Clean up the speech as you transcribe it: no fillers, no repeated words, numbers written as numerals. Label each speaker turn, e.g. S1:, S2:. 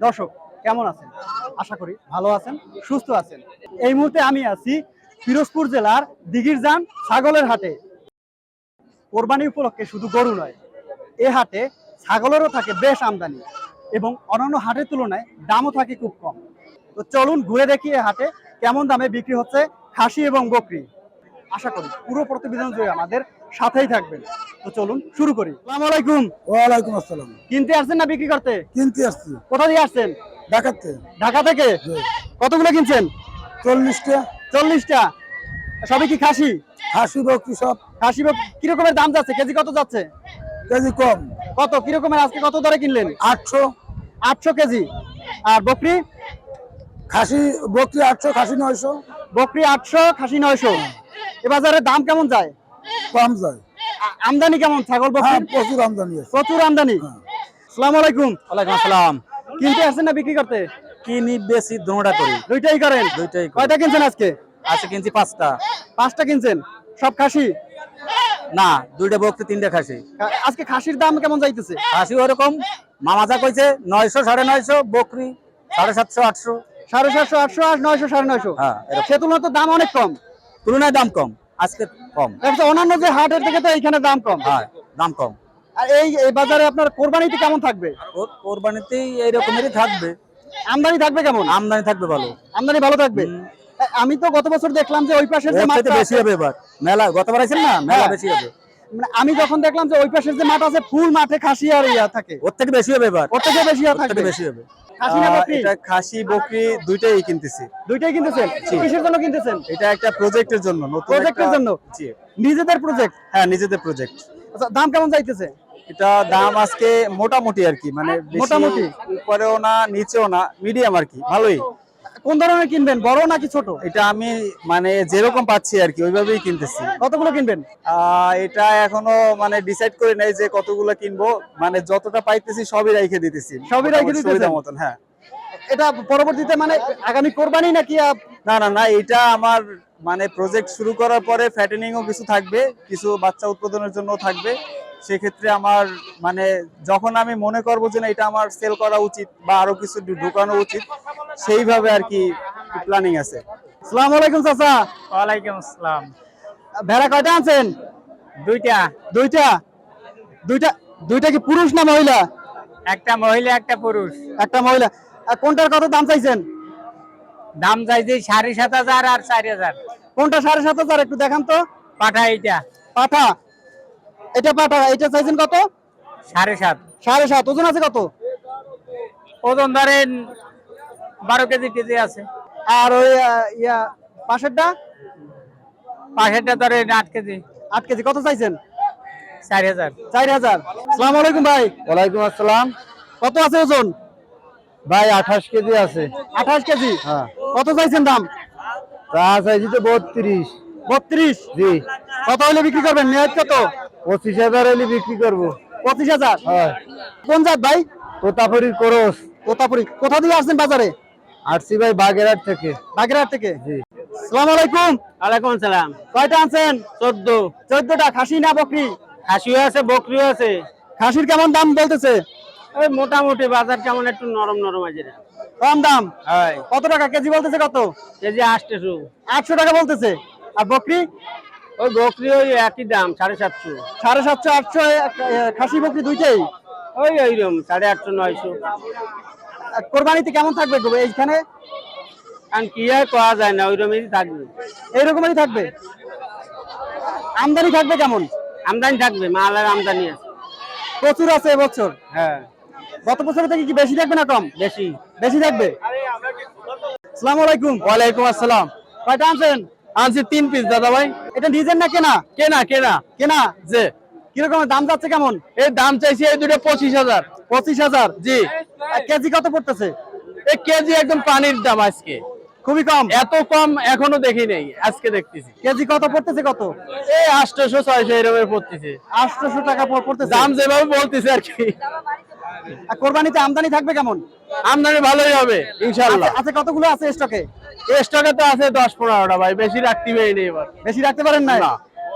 S1: দর্শক কেমন আছেন? আশা করি ভালো আছেন, সুস্থ আছেন। এই মুহূর্তে আমি আছি পিরোজপুর জেলার দিঘিরজান ছাগলের হাটে। কোরবানি উপলক্ষে শুধু গরু নয়, এ হাটে ছাগলেরও থাকে বেশ আমদানি এবং অন্যান্য হাটের তুলনায় দামও থাকে খুব কম। তো চলুন ঘুরে দেখি এ হাটে কেমন দামে বিক্রি হচ্ছে খাসি এবং বকরি। আশা করি পুরো প্রতিবেদন জুড়ে আমাদের সাথেই থাকবেন। তো চলুন শুরু করি। আসসালামু আলাইকুম।
S2: ওয়ালাইকুম আসসালাম।
S1: কিনতে আসছেন না বিক্রি করতে?
S2: কিনতে আসছি
S1: কোথা দিয়ে আসছেন?
S2: ঢাকাতে।
S1: ঢাকা থেকে? কতগুলো কিনছেন?
S2: 40টা।
S1: 40টা। সবই কি খাসি?
S2: খাসি বকরি সব।
S1: খাসি কি রকমের দাম যাচ্ছে? কেজি কত যাচ্ছে?
S2: কেজি কম।
S1: কত কি রকমের আজকে কত দরে কিনলেন?
S2: 800।
S1: 800 কেজি। আর বকরি?
S2: খাসি বকরি 800, খাসি 900।
S1: বকরি 800, খাসি 900। এ বাজারে দাম কেমন যায়?
S2: কম যায়।
S1: আমদানি কেমন ছাগল
S2: হ্যাঁ,
S1: বকরি?
S2: প্রচুর আমদানি আছে।
S1: প্রচুর আমদানি।
S2: হ্যাঁ।
S1: আসসালামু আলাইকুম।
S3: ওয়ালাইকুম আসসালাম।
S1: কিনতে আসছেন না বিক্রি করতে?
S3: কিনি বেশি দুটোটা করি।
S1: দুইটাই করেন?
S3: দুইটাই করি।
S1: কয়টা কিনছেন আজকে?
S3: আজকে কিনছি 5টা।
S1: 5টা কিনছেন? সব খাসি?
S3: না, 2টা বকরি 3টা খাসি।
S1: আজকে খাসির দাম কেমন যাইতেছে?
S3: খাসি ওরকম মামাজা কইছে 900 950, বকরি 750 800।
S1: 750, 800 আর 900 950।
S3: হ্যাঁ, এরকম।
S1: সে তুলনায় তো দাম অনেক কম।
S3: তুলনায় দাম কম, আজকে কম।
S1: অন্যান্য যে হাটের থেকে তো এইখানে দাম কম।
S3: হ্যাঁ, দাম কম।
S1: আর এই বাজারে আপনার কোরবানিতে কেমন থাকবে?
S3: কোরবানিতেই এইরকমেরই থাকবে।
S1: আমদানি থাকবে কেমন?
S3: আমদানি থাকবে ভালো।
S1: আমদানি ভালো থাকবে। আমি তো গত বছর দেখলাম যে ওই পাশের যে
S3: এর চাইতে
S1: মাঠটা
S3: বেশি হবে এবার। মেলা গতবার আইছেন না, মেলা বেশি হবে।
S1: মানে আমি যখন দেখলাম যে ওই পাশের যে মাঠ আছে ফুল মাঠে খাসি আর ইয়া থাকে,
S3: ওর থেকে বেশি হবে এবার।
S1: ওর থেকে বেশি
S3: ওর
S1: থাকবে।
S3: থেকে বেশি হবে।
S1: খাসি না বকরি?
S4: এটা খাসি বকরি দুইটাই কিনতেছি।
S1: দুইটাই কিনতেছেন? কিসের জন্য কিনতেছেন?
S4: এটা একটা প্রজেক্টের জন্য, নতুন
S1: প্রজেক্টের জন্য?
S4: জি।
S1: নিজেদের প্রজেক্ট?
S4: হ্যাঁ, নিজেদের প্রজেক্ট।
S1: আচ্ছা, দাম কেমন যাইতেছে?
S4: এটা দাম আজকে মোটামুটি আর কি, মানে বেশি
S1: মোটামুটি?
S4: উপরেও না নিচেও না, মিডিয়াম আর কি, ভালোই।
S1: কোন ধরনের কিনবেন, বড় নাকি ছোট?
S4: এটা আমি মানে যেরকম পাচ্ছি আর কি ওইভাবেই কিনতেছি।
S1: কতগুলো কিনবেন?
S4: এটা এখনো মানে ডিসাইড করে নাই যে কতগুলো কিনবো, মানে যতটা পাইতেছি সবই রাইখে দিতেছি।
S1: সবই রাইখে দিতেছেন?
S4: সুবিধা মতন, হ্যাঁ।
S1: এটা পরবর্তীতে মানে আগামী কোরবানি নাকি?
S4: না না না, এটা আমার মানে প্রজেক্ট শুরু করার পরে ফ্যাটেনিংও কিছু থাকবে, কিছু বাচ্চা উৎপাদনের জন্য থাকবে। সেক্ষেত্রে আমার মানে যখন আমি মনে করবো যে না এটা আমার সেল করা উচিত বা আরো কিছু ঢুকানো উচিত, সেইভাবে আর কি প্ল্যানিং আছে।
S1: আসসালামু আলাইকুম চাচা।
S3: ওয়ালাইকুম আসসালাম।
S1: ভেড়া কয়টা আনছেন?
S3: 2টা।
S1: দুইটা? দুইটা? দুইটা কি পুরুষ না মহিলা?
S3: একটা মহিলা একটা পুরুষ।
S1: একটা মহিলা। আর কোনটার কত দাম চাইছেন?
S3: দাম চাইছি 7,500 আর 4,000।
S1: কোনটা 7,500? একটু দেখান তো।
S3: পাঠা এইটা
S1: পাঠা? এটা পাঠা। এটা চাইছেন কত?
S3: 7.5।
S1: 7.5। ওজন আছে কত?
S3: ওজন ধরেন 12 কেজি আছে।
S1: আর ওই ইয়া পাশেরটা?
S3: পাশেরটা ধরেন 8 কেজি।
S1: 8 কেজি। কত চাইছেন?
S3: 4,000।
S1: 4,000। আসসালামু আলাইকুম ভাই।
S2: ওয়ালাইকুম আসসালাম।
S1: কত আছে ওজন?
S2: ভাই 28 কেজি আছে।
S1: 28 কেজি?
S2: হ্যাঁ।
S1: কত চাইছেন দাম?
S2: তা চাইছি তো 32।
S1: 32?
S2: জি।
S1: কত হলে বিক্রি করবেন? নিয়ত কত?
S2: 25,000 হলে বিক্রি করবো।
S1: 25,000?
S2: হ্যাঁ।
S1: কোন জাত ভাই?
S2: তোতাপুরির করস।
S1: তোতাপুরি। কোথা দিয়ে আসছেন বাজারে?
S2: আসছি ভাই বাগেরহাট থেকে।
S1: বাগেরহাট থেকে?
S2: জি।
S1: আসসালামু আলাইকুম।
S3: ওয়ালাইকুম আসসালাম।
S1: কয়টা আনছেন?
S3: 14।
S1: 14টা। খাসি না বকরি?
S3: খাসিও আছে বকরিও আছে।
S1: খাসির কেমন দাম বলতেছে?
S3: ওই মোটামুটি বাজার কেমন একটু নরম নরম আছে।
S1: কম দাম?
S3: হয়।
S1: কত টাকা কেজি বলতেছে? কত
S3: কেজি 800।
S1: 800 টাকা বলতেছে। আর বকরি?
S3: ওই বকরি ওই একই দাম 750।
S1: 750, 800। খাসি বকরি দুইটাই?
S3: ওই ওইরকম 850 900।
S1: কোরবানিতে কেমন থাকবে গো এইখানে?
S3: কারণ কি আর করা যায় না, ওইরকমই থাকবে।
S1: এইরকমই থাকবে? আমদানি থাকবে কেমন?
S3: আমদানি থাকবে, মালের আমদানি আছে।
S1: প্রচুর আছে এবছর?
S3: হ্যাঁ,
S1: গত বছর থেকে কি বেশি থাকবে না কম?
S3: বেশি।
S1: বেশি থাকবে। আসসালামু আলাইকুম।
S2: ওয়ালাইকুম আসসালাম।
S1: কয়টা আনছেন?
S2: আনছি 3 পিস দাদা ভাই।
S1: এটা নিজের না কেনা?
S2: কেনা কেনা।
S1: কেনা?
S2: যে
S1: কিরকম দাম যাচ্ছে কেমন?
S2: এর দাম চাইছি এই দুটো 25,000।
S1: 25,000?
S2: জি।
S1: আর কেজি কত পড়তেছে?
S2: এই কেজি একদম পানির দাম আজকে।
S1: খুবই কম?
S2: এত কম এখনো দেখি নাই, আজকে দেখতেছি।
S1: কেজি কত পড়তেছে? কত?
S2: এই 800 600 এরকম পড়তেছে।
S1: 800 টাকা পড়তেছে?
S2: দাম যেভাবে বলতেছে আর কি।
S1: আর কোরবানিতে আমদানি থাকবে কেমন?
S2: আমদানি ভালোই হবে ইনশাআল্লাহ।
S1: আছে কতগুলো আছে স্টকে?
S2: স্টকে তো আছে 10-15টা ভাই, বেশি রাখতে পারি না এবার।
S1: বেশি রাখতে পারেন না?
S2: না।